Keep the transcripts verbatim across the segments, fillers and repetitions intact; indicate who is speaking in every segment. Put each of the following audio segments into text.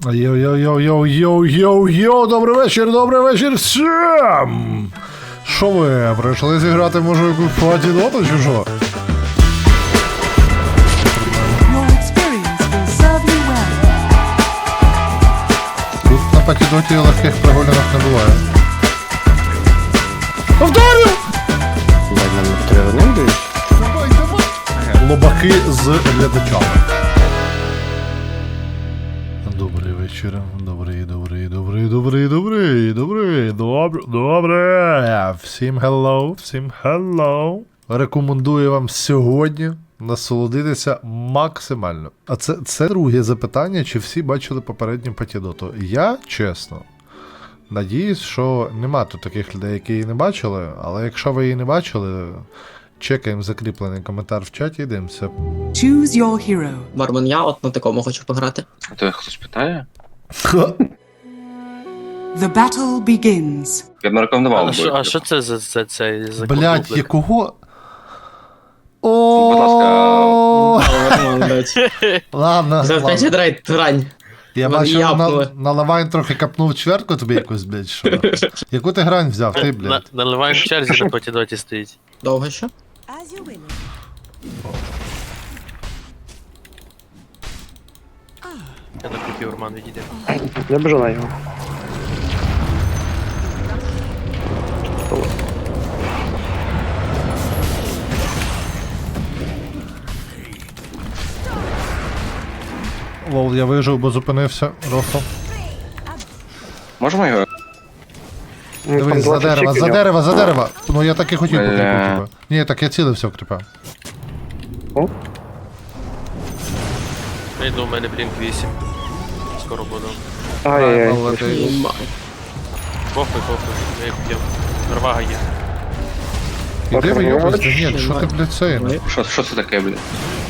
Speaker 1: Йоу-йоу-йоу-йоу-йоу-йоу, добрий вечір, добрий вечір всім! Що ви, прийшли зіграти, може, якусь патідоту чи що? Тут на патідоті легких прогулянок не буває. Повторю! Давай, давай! Лобаки з глядачами. Добрий вечір, добрий, добрий, добрий, добрий, добрий, добрий, добрий, добре. Всім hello, всім hello. Рекомендую вам сьогодні насолодитися максимально. А це, це друге запитання, чи всі бачили попередню патідоту. Я, чесно, надіюсь, що нема тут таких людей, які її не бачили, але якщо ви її не бачили, чекаємо закріплений коментар в чаті і дивимося.
Speaker 2: Choose your hero.
Speaker 3: Бармен, я от на такому хочу пограти.
Speaker 4: А то хтось питає?
Speaker 2: The battle begins.
Speaker 4: Я б не рекомендував.
Speaker 5: А що, а що це за, за цей за
Speaker 1: Блять,
Speaker 5: кублик?
Speaker 1: якого?
Speaker 4: Будь ласка.
Speaker 1: О, ладно,
Speaker 3: За
Speaker 1: ладно.
Speaker 3: п'ять драйт рань.
Speaker 1: Я
Speaker 3: Мене
Speaker 1: бачив,
Speaker 3: япнули.
Speaker 1: на, на лавайн трохи капнув чвертку тобі якусь, блядь, що? Яку ти грань взяв, ти,
Speaker 5: На,
Speaker 1: блядь?
Speaker 5: наливаємо в черзі на потідоті стоїть.
Speaker 3: Довго ще?
Speaker 5: Я на купі Урман відійде.
Speaker 6: Я бежу на його.
Speaker 1: Лол, я вижив, бо зупинився, Рохо.
Speaker 4: Можемо його?
Speaker 6: Ну, там
Speaker 1: Дивись, за
Speaker 6: двадцять
Speaker 1: дерева, за
Speaker 6: чеків.
Speaker 1: дерева, за дерева. Ну я так і хотів по кріпу,
Speaker 4: Бля.
Speaker 1: типа. Ні, так я цілився в кріпа.
Speaker 5: Я йду, у мене блінк вісім. Скоро буду.
Speaker 6: Ай-яй-яй.
Speaker 1: Але ти-
Speaker 3: Єма.
Speaker 5: Похуй, похуй, я їх б'єм. Рвага є.
Speaker 1: Іди ви йобись,
Speaker 6: Ой,
Speaker 1: Даніель, що ти, блядь, це?
Speaker 3: Ой.
Speaker 4: Що, що це таке, блін?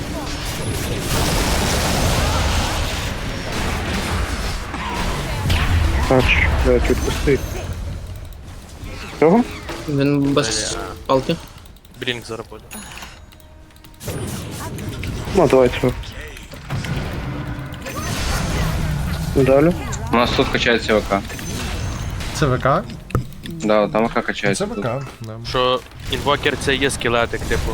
Speaker 6: Тач, блядь, відпусти. Цього?
Speaker 3: Він без палки.
Speaker 5: Блінк зараз буде.
Speaker 6: Ну, давай цього. Далі.
Speaker 4: У нас тут качається ВК.
Speaker 1: Це ВК?
Speaker 4: Да, там ВК
Speaker 1: Це
Speaker 4: качається.
Speaker 1: ВК. да.
Speaker 5: Що інвокер це є скелетик, типу.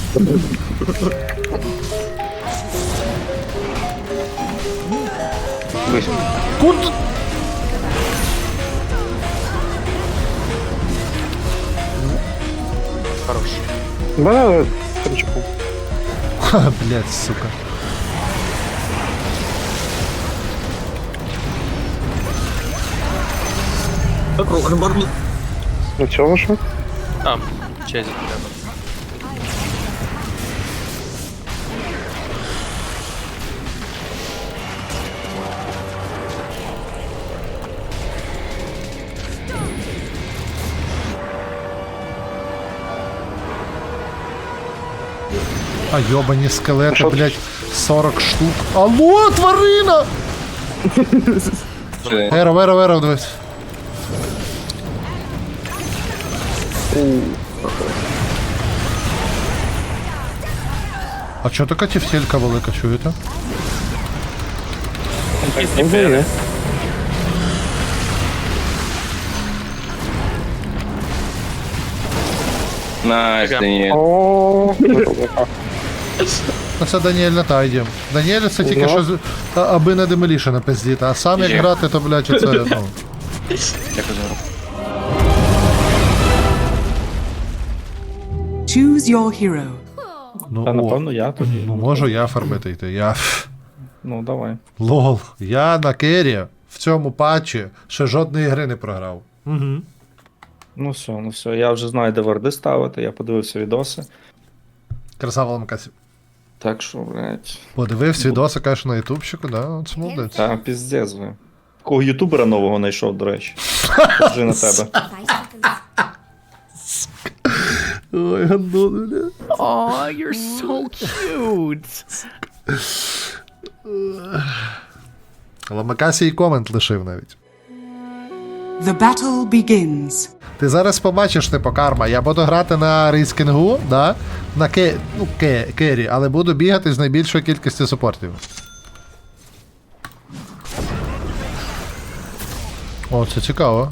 Speaker 4: Близько.
Speaker 1: Куди?
Speaker 5: Хорош.
Speaker 6: Мене тричку.
Speaker 1: Ха, блядь, сука.
Speaker 3: Бармен.
Speaker 6: На цього що?
Speaker 5: Там, чезі треба.
Speaker 1: А йобані скелети,
Speaker 6: Що?
Speaker 1: блядь, сорок штук. Алло, тварина!
Speaker 4: Це-
Speaker 1: Еро, еро, еро, дивись. А чого така тівтелька велика, чуєте?
Speaker 6: Ну, є.
Speaker 4: Найс, Даніель.
Speaker 6: О, добре.
Speaker 1: Ну це Даніель на та йдем. Даніель це тільки
Speaker 6: Ну.
Speaker 1: що з- а- аби не демоліше напиздіти, а сам як
Speaker 4: Є.
Speaker 1: грати, то, блядь, це, ну.
Speaker 4: Дякую за гру.
Speaker 2: Choose your hero.
Speaker 1: Ну,
Speaker 7: Та
Speaker 1: о,
Speaker 7: напевно я тоді.
Speaker 1: ну можу я фармити йти. Я.
Speaker 7: Ну давай.
Speaker 1: Лол. Я на кері в цьому патчі ще жодної гри не програв. Угу.
Speaker 7: Ну все, ну все. Я вже знаю, де варди ставити, я подивився відоси.
Speaker 1: Красава ламкасі.
Speaker 7: Так що, блядь.
Speaker 1: Подивився відоси, кажеш, на ютубчику, да? Це молодець.
Speaker 7: Та піздець ви. Кого ютубера нового знайшов, до речі. Вже на тебе.
Speaker 1: Ой, гандон, бля.
Speaker 8: Oh, you're so cute.
Speaker 1: Ламакасі і комент лишив навіть.
Speaker 2: The battle begins.
Speaker 1: Ти зараз побачиш, типу, карма. Я буду грати на рейскінгу, да? На ке... ну, ке... кері, але буду бігати з найбільшою кількістю супортів. О, це цікаво.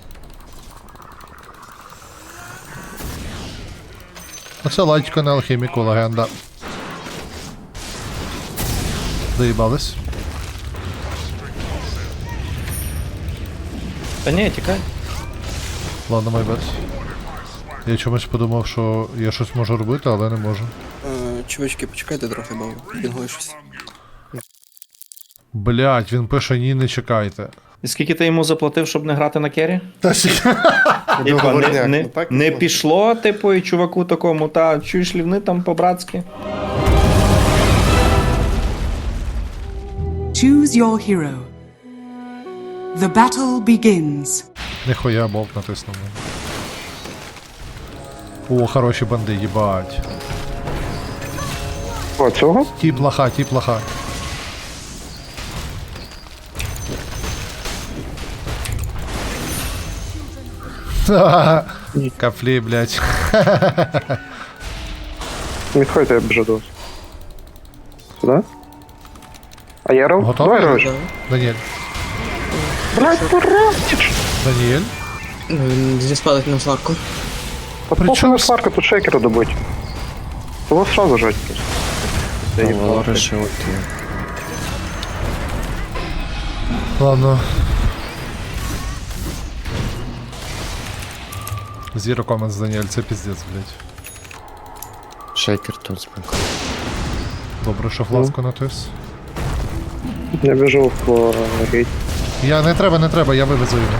Speaker 1: Оце латько на алхіміку, легенда. Доїбались.
Speaker 7: Та ні, тікай.
Speaker 1: Ладно, майбет. Я чомусь подумав, що я щось можу робити, але не можу.
Speaker 9: Е, Чувачки, почекайте трохи, бо пінгує щось.
Speaker 1: Блять, він пише ні, не чекайте.
Speaker 7: І скільки ти йому заплатив, щоб не грати на кері?
Speaker 1: Та ще.
Speaker 7: Типа, не,
Speaker 6: Договорняк,
Speaker 7: не,
Speaker 6: ну так
Speaker 7: не
Speaker 6: можна.
Speaker 7: пішло, типу, і чуваку такому, та чуєш лівни там по-братськи.
Speaker 2: Choose your hero. The battle begins.
Speaker 1: Ніхуя болт натиснув. О, хороші банди, їбать.
Speaker 6: О, цього?
Speaker 1: Тіп лоха, тіп лоха. Кафлі, блять.
Speaker 6: Відходьте, я біжу до вас. Сюди? А я ров?
Speaker 1: Готовий?
Speaker 6: Давай, Рож.
Speaker 1: Даніель.
Speaker 6: Блядь, поростіч!
Speaker 1: Даніель?
Speaker 3: Ну, він зіспалить на сварку.
Speaker 6: Та
Speaker 1: При
Speaker 6: похуй
Speaker 1: чому
Speaker 6: на
Speaker 1: с-
Speaker 6: сварка, тут шейкера добить. Его сразу жать просто. Я їбав.
Speaker 1: Ладно. Zero comments, Даніель, це піздець, блять.
Speaker 9: Шейкер тут спинку.
Speaker 1: Добре, що фласку натис.
Speaker 6: Я біжу в рейд.
Speaker 1: Я не треба, не треба, я вивезу його.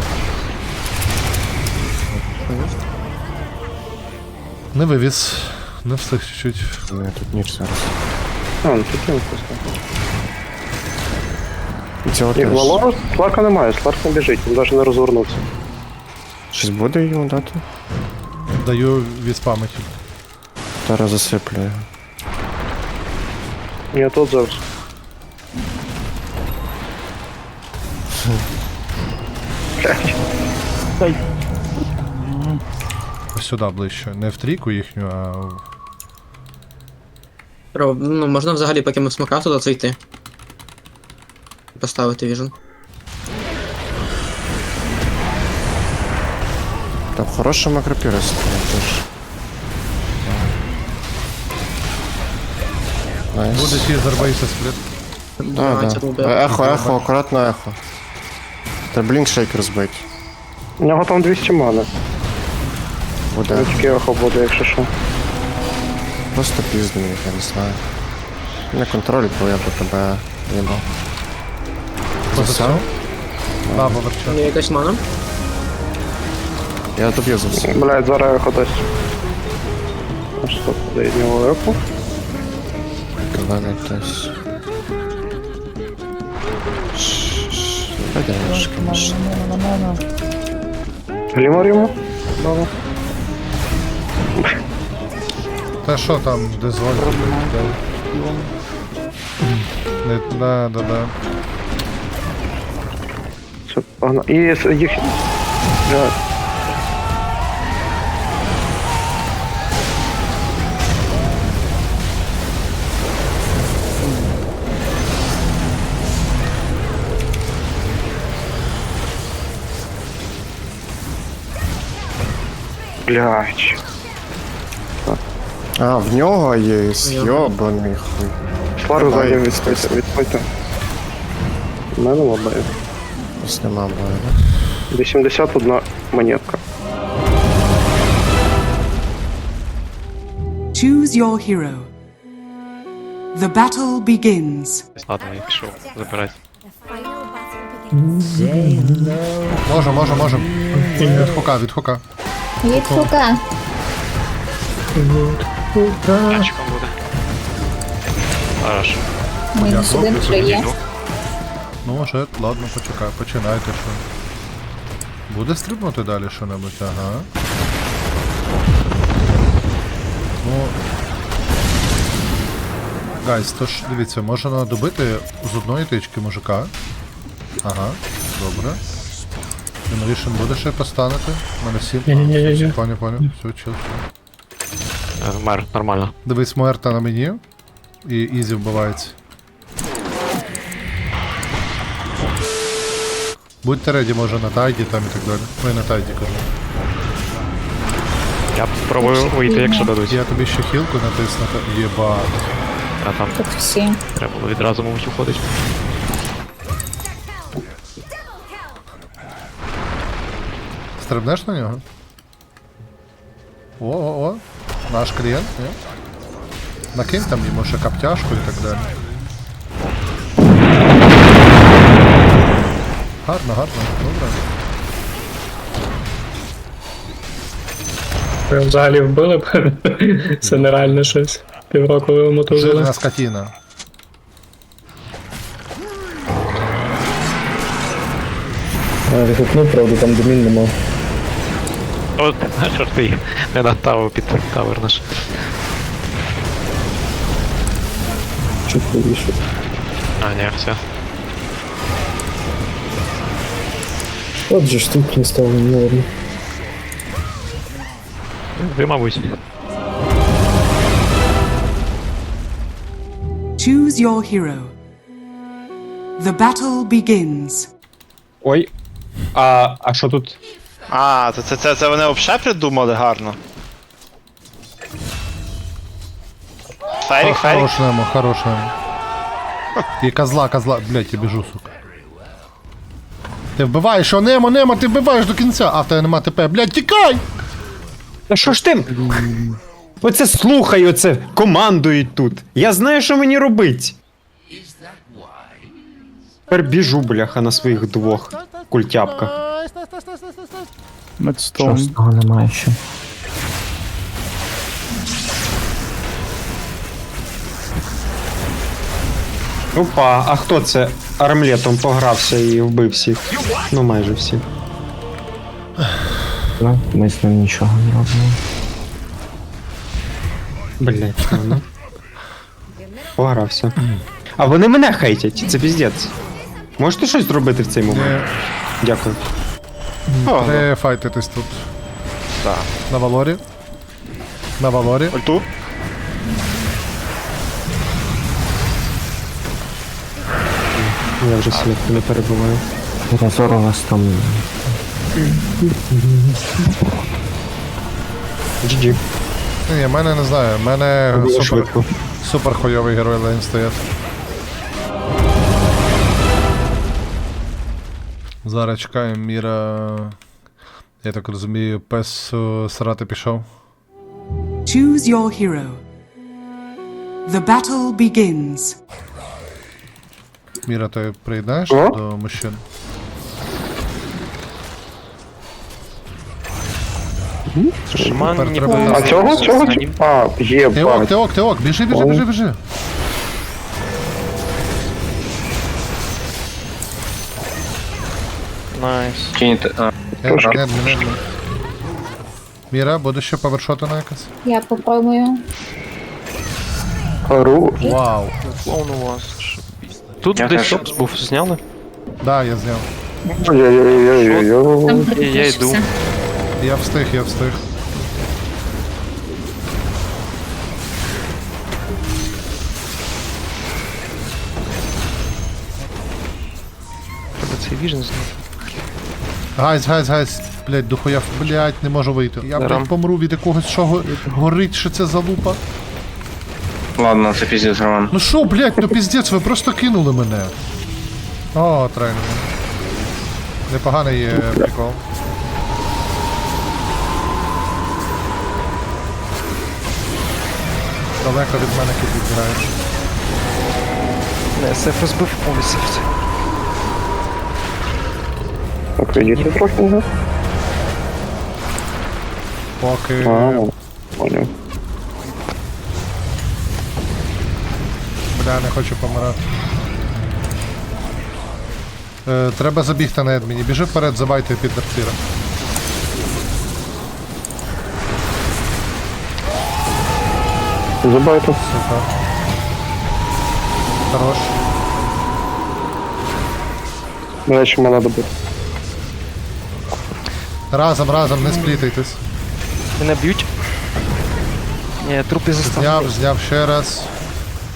Speaker 1: Не вивіз. Не встиг чуть-чуть.
Speaker 9: Ну, тут ніч зараз.
Speaker 6: А, ну тут він просто.
Speaker 9: І цього
Speaker 6: Ні,
Speaker 9: теж.
Speaker 6: Валору Сларка немає, Сларк не біжить, він навіть не розвернувся.
Speaker 9: Щось буде йому дати?
Speaker 1: Даю віспамити.
Speaker 9: Зараз засиплю його.
Speaker 6: Я тут зараз.
Speaker 1: Ось сюди ближче. Не в трійку їхню, а в...
Speaker 3: Ро, ну, можна взагалі, поки ми в смока туди зайти. Поставити віжен.
Speaker 9: Там хороша макропіра стоїть теж. Найс.
Speaker 1: Буде тізер бейса спліт.
Speaker 9: Да,
Speaker 3: Давайте,
Speaker 9: да.
Speaker 3: рубер.
Speaker 9: Ехо, ехо, акуратно ехо. Треба блінк шейкер збити.
Speaker 6: У нього там двісті мани.
Speaker 9: Буде.
Speaker 6: Тільки ехо буде, якщо що.
Speaker 9: Просто піздим їх, я не знаю. Не контроль, бо я би тебе їбав. Засав?
Speaker 1: Да, поверча.
Speaker 3: Є якась мана?
Speaker 9: Я доб'ю за все.
Speaker 6: Блядь, зараз ехо дасть. А що буде від нього ехо?
Speaker 9: Мене хтось. Пойдеш, конечно.
Speaker 6: Глімор йому? Баба.
Speaker 1: Та що там, дозволь. Не, да, да, да.
Speaker 6: Все, погнали. І с- їх... Блядь. Блядь.
Speaker 9: А, в нього є
Speaker 3: Його.
Speaker 9: йобаний хуй.
Speaker 6: Слару
Speaker 9: Давай,
Speaker 6: заднім відходьте, відходьте. У мене лобає.
Speaker 9: Ось нема бою, да?
Speaker 6: вісімдесят одна монетка.
Speaker 2: Choose your hero. The battle begins.
Speaker 5: Ладно, я пішов забирати.
Speaker 1: Може, може, може. Від хука, від хука.
Speaker 10: Від хука.
Speaker 5: Тачком буде. Хорошо.
Speaker 10: Мінус один вже є.
Speaker 1: Ну, може, ладно, почекай, починайте, що. Буде стрибнути далі що-небудь, ага. Ну. Гайс, то ж, дивіться, можна добити з одної тички мужика. Ага, добре. Інновішн буде ще поставити? У мене сім. Ні-ні-ні. Поняв, поняв. Все, чил, чил.
Speaker 5: Мер, нормально.
Speaker 1: Дивись, Муерта на мені. І Ізі вбивається. Будьте реді, може на тайді там і так далі. Ну і на тайді кажу.
Speaker 8: Я спробую вийти, якщо дадуть.
Speaker 1: Я тобі ще хілку натисну, та- єбать.
Speaker 8: А там
Speaker 10: Тут всі.
Speaker 8: треба було відразу, мабуть, уходить.
Speaker 1: Стрибнеш на нього? О, о, о. Наш клієнт, ні? Накинь там йому ще каптяшку і так далі. Гарно, гарно, добре.
Speaker 11: Ви взагалі вбили б? Це нереально щось. Півроку ви мотузили.
Speaker 1: Жирна скотина.
Speaker 11: Рехопнув, правда, там домін нема.
Speaker 8: От, що ж ти їх не натавив під тавер наш.
Speaker 11: Чуть повіше.
Speaker 8: А, ні, все.
Speaker 11: От же ж тут не стало, ну ладно.
Speaker 8: Ви, мабуть.
Speaker 2: Choose your hero. The battle begins.
Speaker 6: Ой. А, а що тут?
Speaker 12: А, це, це, це, це вони взагалі придумали гарно. Ферік, Ферік.
Speaker 1: Хорош нему, хорош нему. І козла, козла. Блять, я біжу, сука. Ти вбиваєш, о, Немо, Немо, ти вбиваєш до кінця. А в тебе нема ТП. Блять, тікай!
Speaker 6: Та що ж ти? Оце слухай, оце командують тут. Я знаю, що мені робить. Тепер біжу, бляха, на своїх двох культяпках.
Speaker 8: Що з того немає ще.
Speaker 6: Опа, а хто це армлетом погрався і вбив всіх? Ну майже всіх.
Speaker 8: Ну, ми з ним нічого не робимо.
Speaker 6: Блять, ну, ну. Погрався. А вони мене хейтять, це піздець. Можете щось зробити в цей момент? Дякую.
Speaker 1: Треба файтитись тут.
Speaker 12: Так.
Speaker 1: На Валорі. На Валорі.
Speaker 12: Ульту.
Speaker 6: Я вже свідку не перебуваю.
Speaker 8: Разор у вас там.
Speaker 6: джі джі.
Speaker 1: Ні, в мене не знаю, в мене
Speaker 6: Було
Speaker 1: супер,
Speaker 6: швидко.
Speaker 1: супер хуйовий герой лейн стоять. Зараз чекаємо Міра. Я так розумію, пес е, срати пішов.
Speaker 2: Choose your hero. The battle begins.
Speaker 1: Міра, ти приєднаєш
Speaker 6: О?
Speaker 1: до мужчин?
Speaker 8: Шаман
Speaker 1: Тепер
Speaker 8: не
Speaker 1: треба
Speaker 8: поможе.
Speaker 1: нас-
Speaker 6: А цього? Цього? А, є,
Speaker 1: Теок,
Speaker 6: бать.
Speaker 1: Теок, Теок, біжи, біжи, біжи, біжи.
Speaker 8: Найс.
Speaker 4: Кинете. А,
Speaker 1: Ед, ед, ед, ед. Міра, буде ще повершотина якась?
Speaker 10: Я попробую.
Speaker 6: Ру.
Speaker 1: Вау.
Speaker 8: Клоун у вас. Тут
Speaker 4: Я
Speaker 8: десь
Speaker 4: теж.
Speaker 8: шопс був, зняли?
Speaker 1: Да, я зняв.
Speaker 6: Ой-ой-ой-ой-ой.
Speaker 10: Там
Speaker 8: Я- я йду.
Speaker 10: крутишся.
Speaker 1: Я встиг, я встиг.
Speaker 8: Треба цей віжен зняти.
Speaker 1: Гайз, гайз, гайз. Блять, дохуя, блять, не можу вийти. Я,
Speaker 8: Дарам.
Speaker 1: блять, помру від якогось, що го- горить, що це за лупа.
Speaker 4: ладно, це піздець, Роман.
Speaker 1: Ну що, блять, ну піздець, ви просто кинули мене. О, тренер. Непоганий є прикол. Далеко від мене кіт відбираєш.
Speaker 8: Не, сеф розбив повністю.
Speaker 6: Так, відійти трохи, не?
Speaker 1: Поки.
Speaker 6: А, поняв.
Speaker 1: Бля, не хочу помирати. Е, треба забігти на Едміні. Біжи вперед, забайте під Дартіра.
Speaker 6: Забайте.
Speaker 1: Супер. Хорош.
Speaker 6: Мене ще мене добити.
Speaker 1: Разом, разом, не сплітайтесь.
Speaker 8: Мене б'ють. Ні, трупи заставили.
Speaker 1: Зняв, зняв ще раз.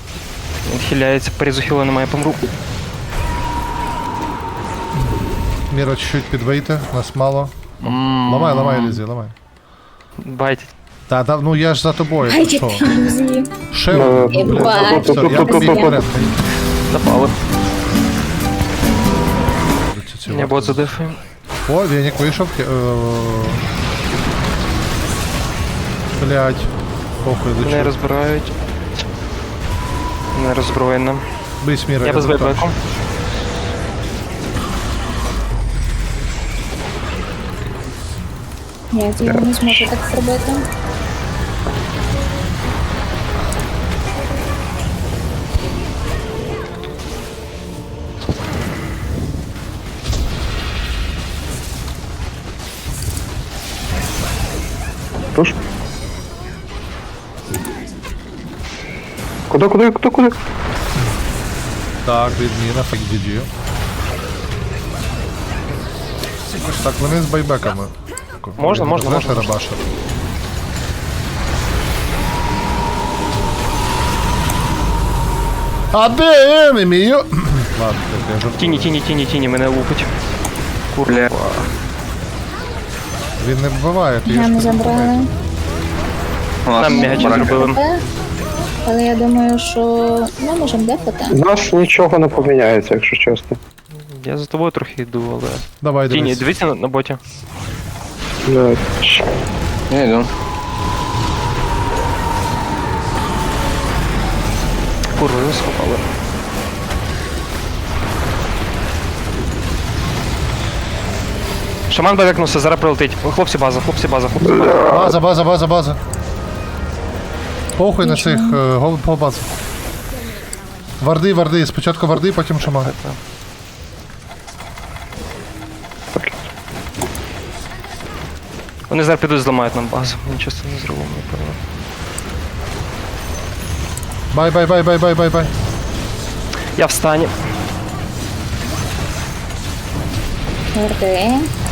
Speaker 8: Він хиляється, порізу хіла немає, помру.
Speaker 1: Міра, чуть-чуть підвийти, нас мало. Ламай, ламай, Лізі, ламай.
Speaker 8: Байтить.
Speaker 1: Та, та, ну я ж за тобою, ти що?
Speaker 10: Ілюзії.
Speaker 1: Ще
Speaker 6: Ну,
Speaker 1: один, блядь,
Speaker 10: бачу.
Speaker 1: все, я
Speaker 10: Ту-ту-ту-ту-ту.
Speaker 1: конкурентний.
Speaker 8: Запали.
Speaker 1: Ці
Speaker 8: Я бот задефаю.
Speaker 1: О, Венік вийшов. Е, Блядь. Похуй,
Speaker 8: Мене
Speaker 1: лечу.
Speaker 8: розбирають. Не роззброєна.
Speaker 1: Бий Міра.
Speaker 8: Я без
Speaker 1: тут
Speaker 8: вейбеку.
Speaker 1: там.
Speaker 10: Ні, я не зможу так зробити.
Speaker 6: Куди, куди, куди, куди?
Speaker 1: Так, відміна, фак джі джі. Так, вони з байбеками.
Speaker 8: Можна, можна,
Speaker 1: Знаєш,
Speaker 8: можна.
Speaker 1: Рабаша. А де енемі? Ладно, так, я жартую.
Speaker 8: Тіні, тіні, тіні, тіні, мене лупить. Курва.
Speaker 1: Він не вбиває, ти
Speaker 10: Я
Speaker 1: ж
Speaker 10: не забрала.
Speaker 8: Нам м'ячі зробили.
Speaker 10: Е, Але я думаю, що ми можемо дефати.
Speaker 6: Наш нічого не поміняється, якщо чесно.
Speaker 8: Я за тобою трохи йду, але...
Speaker 1: Давай,
Speaker 8: Тіні,
Speaker 1: дивись.
Speaker 8: дивіться на, на боті.
Speaker 4: Я йду.
Speaker 8: Курва, його схопали. Шаман бевекнувся, зараз прилетить. О, хлопці база, хлопці база, хлопці база.
Speaker 1: База, база, база, база. Похуй на цих, е, гол по базу. Варди, варди, спочатку варди, потім шаман.
Speaker 8: Вони зараз підуть зламають нам базу. Нічого з цим не зробимо, напевно.
Speaker 1: Бай, бай, бай, бай, бай, бай, бай.
Speaker 8: Я в стані.
Speaker 10: Горди.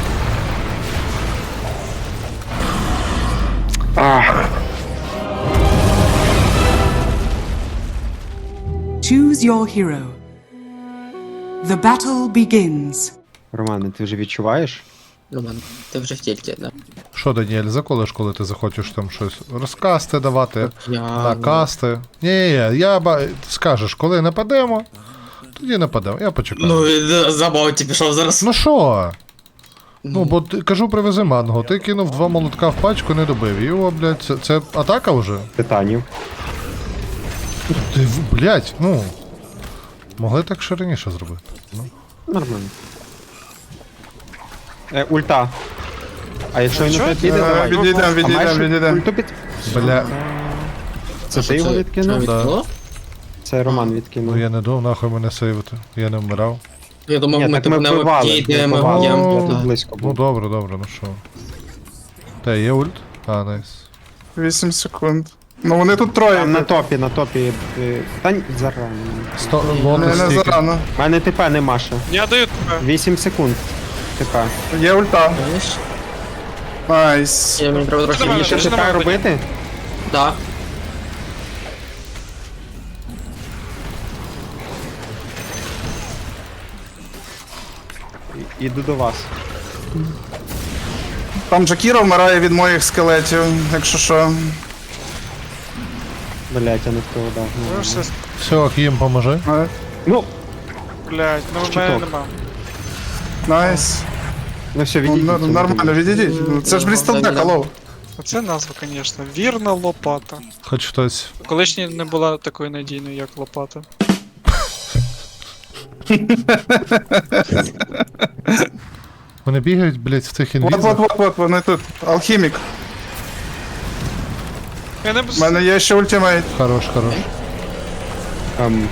Speaker 2: Choose your hero. The battle begins.
Speaker 6: Романе, ти вже відчуваєш?
Speaker 3: Роман, ти вже в тільті, да?
Speaker 1: Що, Даніель, заколиш, коли ти захочеш там щось розкасти давати,
Speaker 3: Я...
Speaker 1: накасти. Ні, ні, я ба... скажеш, коли нападемо, тоді нападемо, я почекаю.
Speaker 3: Ну, він забавці пішов зараз.
Speaker 1: Ну що? Ну, бо ти, кажу, привези манго, ти кинув два молотка в пачку, не добив. Його, блядь, це, це атака вже?
Speaker 6: Титанів.
Speaker 1: Ти, в- блядь, ну. Могли так ще раніше зробити. Ну.
Speaker 6: Нормально. Е, ульта. А якщо він не піде, давай.
Speaker 7: Відійдем, відійдем,
Speaker 6: А маєш
Speaker 7: відійдем.
Speaker 6: ульту під...
Speaker 1: Бля,
Speaker 6: Це ти його відкинув?
Speaker 1: Да.
Speaker 3: відкинуло?
Speaker 6: Це Роман
Speaker 1: ну
Speaker 6: відкинув.
Speaker 1: я не думав, нахуй мене сейвити. Я не вмирав.
Speaker 3: Я думав,
Speaker 6: Ні,
Speaker 3: ми
Speaker 6: так ми
Speaker 3: тут не
Speaker 6: вбивали,
Speaker 3: обійдемо,
Speaker 6: ми вбивали.
Speaker 3: я...
Speaker 1: Ну,
Speaker 6: Я тут
Speaker 3: да.
Speaker 6: близько
Speaker 1: Ну
Speaker 6: був.
Speaker 1: добре, добре, ну що. Та є ульт? А, найс.
Speaker 7: вісім секунд. Ну вони тут троє.
Speaker 6: Там на топі, на топі. е, Та ні, зарано.
Speaker 1: Сто...
Speaker 7: Не,
Speaker 1: Лотос
Speaker 7: не
Speaker 1: стільки.
Speaker 7: зарано.
Speaker 6: У мене ТП нема ще.
Speaker 7: Я даю тебе.
Speaker 6: вісім секунд. ТП.
Speaker 7: Є ульта.
Speaker 3: Знаєш?
Speaker 7: Найс.
Speaker 3: Я мені треба трохи
Speaker 6: Мені ще
Speaker 3: більше.
Speaker 6: ТП робити?
Speaker 3: Так.
Speaker 6: І- Іду до вас.
Speaker 7: Там Джакіра вмирає від моїх скелетів, якщо що.
Speaker 6: Блять, я не в того дав. Ну, ладно.
Speaker 1: Все, Кім, поможи.
Speaker 7: А,
Speaker 6: Ну,
Speaker 7: Блять, ну
Speaker 6: в мене нема.
Speaker 7: Найс.
Speaker 6: ну все,
Speaker 7: Ну,
Speaker 6: відійдіть.
Speaker 7: н- нормально, відійдіть. Ну, Це ж Брістелбек, алло.
Speaker 13: Це назва, звісно. Вірна лопата.
Speaker 1: Хоч хтось.
Speaker 13: Колишня не була такою надійною, як лопата.
Speaker 1: Вони бігають, блядь, в цих
Speaker 7: Вот, вот,
Speaker 1: інвізах.
Speaker 7: вот, вот, вони тут. Алхімік.
Speaker 13: Я не
Speaker 7: У мене є ще ультимейт.
Speaker 1: Хорош, хорош.
Speaker 6: Ем,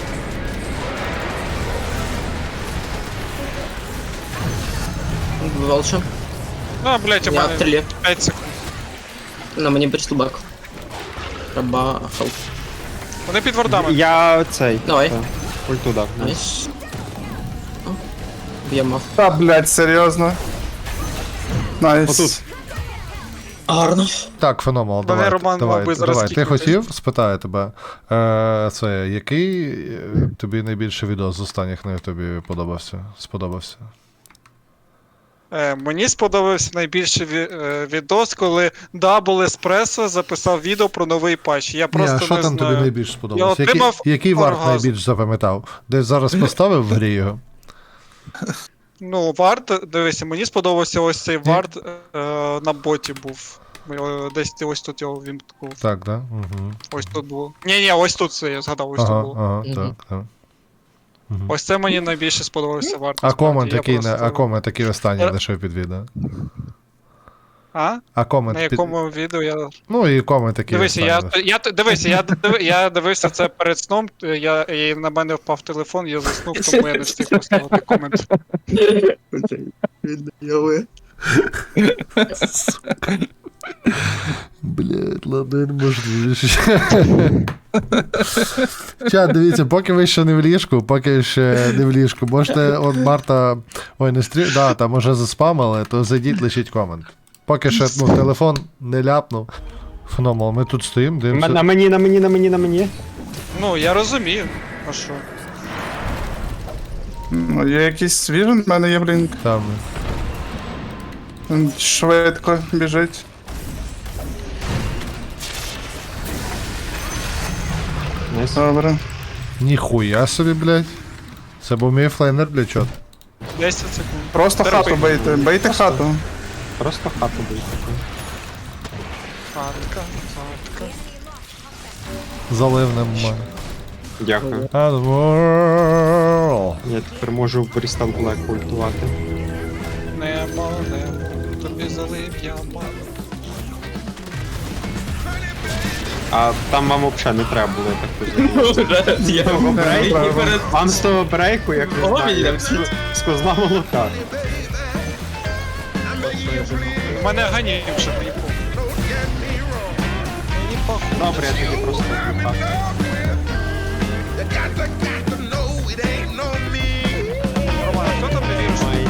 Speaker 3: Волчу.
Speaker 13: А, блять, у
Speaker 3: Я в
Speaker 13: мене
Speaker 3: трилі.
Speaker 13: п'ять секунд.
Speaker 3: На мені Брістелбек. Треба хелп.
Speaker 13: Вони під вардами.
Speaker 6: Я цей.
Speaker 3: Давай.
Speaker 6: та, Ульту дав. ну.
Speaker 3: Найс. О, б'ємо.
Speaker 7: Та, блять, серйозно. Найс.
Speaker 6: Отут.
Speaker 3: Гарно.
Speaker 1: Так, феноменал,
Speaker 13: Мене
Speaker 1: давай,
Speaker 13: Роман
Speaker 1: давай,
Speaker 13: мав би зараз
Speaker 1: давай. Ти
Speaker 13: кікнути.
Speaker 1: хотів? Спитаю тебе. Е, це, який е, тобі найбільше відео з останніх на тобі подобався? Сподобався?
Speaker 13: Е, мені сподобався найбільше ві- е, відос, коли Double Espresso записав відео про новий патч. Я просто
Speaker 1: Ні, а що
Speaker 13: не
Speaker 1: там
Speaker 13: знаю.
Speaker 1: тобі найбільш сподобалось?
Speaker 13: Я
Speaker 1: Який,
Speaker 13: отримав
Speaker 1: який варт
Speaker 13: оргазм.
Speaker 1: найбільш запам'ятав? Десь зараз поставив в грі його?
Speaker 13: Ну, варт, дивися, мені сподобався ось цей варт е, на боті був. Ми, е, Десь ти ось тут його вімкнув.
Speaker 1: Так, да? Угу.
Speaker 13: Ось тут було. Ні, ні, ось тут це я згадав, ось
Speaker 1: Ага,
Speaker 13: тут було.
Speaker 1: ага,
Speaker 3: Мгм.
Speaker 1: так, так. Мгм.
Speaker 13: Ось це мені найбільше сподобався варт.
Speaker 1: А комент
Speaker 13: насправді, я
Speaker 1: який, не-
Speaker 13: просто-
Speaker 1: а комент такий останній
Speaker 13: Е,
Speaker 1: лише під відео?
Speaker 13: А?
Speaker 1: А комент
Speaker 13: На
Speaker 1: під...
Speaker 13: якому відео я.
Speaker 1: Ну і комент такий
Speaker 13: Дивися, я,
Speaker 1: останній.
Speaker 13: я, дивися, я, див- я дивився це перед сном, я, і на мене впав телефон, я заснув, тому я не встиг поставити комент.
Speaker 1: Блять, ладно, я не можу більше. Чат, дивіться, поки ви ще не в ліжку, поки ще не в ліжку, можете, от Марта, ой, не стрі... да, там уже заспамили, то зайдіть, лишіть комент. Поки ще, ну, телефон не ляпнув. Феномен, ми тут стоїмо,
Speaker 6: М-
Speaker 1: дивимося.
Speaker 6: На мені, на мені, на мені, на мені.
Speaker 13: Ну, я розумію. А що?
Speaker 11: Ну, є якийсь свіжий, в мене є блінк.
Speaker 1: Там.
Speaker 11: Він швидко біжить.
Speaker 6: Найс.
Speaker 11: Добре.
Speaker 1: Ніхуя собі, блядь. Це був мій флейнер, блядь, чот.
Speaker 13: десять секунд.
Speaker 11: Просто
Speaker 13: Терпи.
Speaker 11: хату бийте, бийте хату.
Speaker 6: Просто хату бий таку.
Speaker 13: Хатка, хатка.
Speaker 1: Залив нема.
Speaker 6: Дякую.
Speaker 1: Admiral.
Speaker 6: Я тепер можу в Брістал Блек ультувати.
Speaker 13: Нема, нема. Тобі залив я мало.
Speaker 6: А там вам взагалі не треба було, я так розумію. Вам з того брейку, як не знаю, з козла молока.
Speaker 13: У мене ганім, щоб мені похуй. Мені похуй.
Speaker 6: Добре, я тоді просто так.
Speaker 13: Роман, хто там не вірить?
Speaker 6: Ой.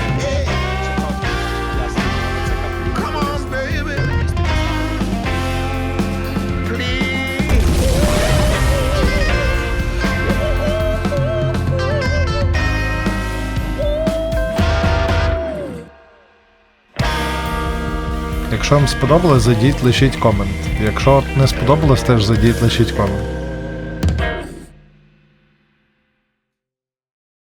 Speaker 1: Якщо вам сподобалось, зайдіть, лишіть комент. Якщо не сподобалось, теж зайдіть, лишіть комент.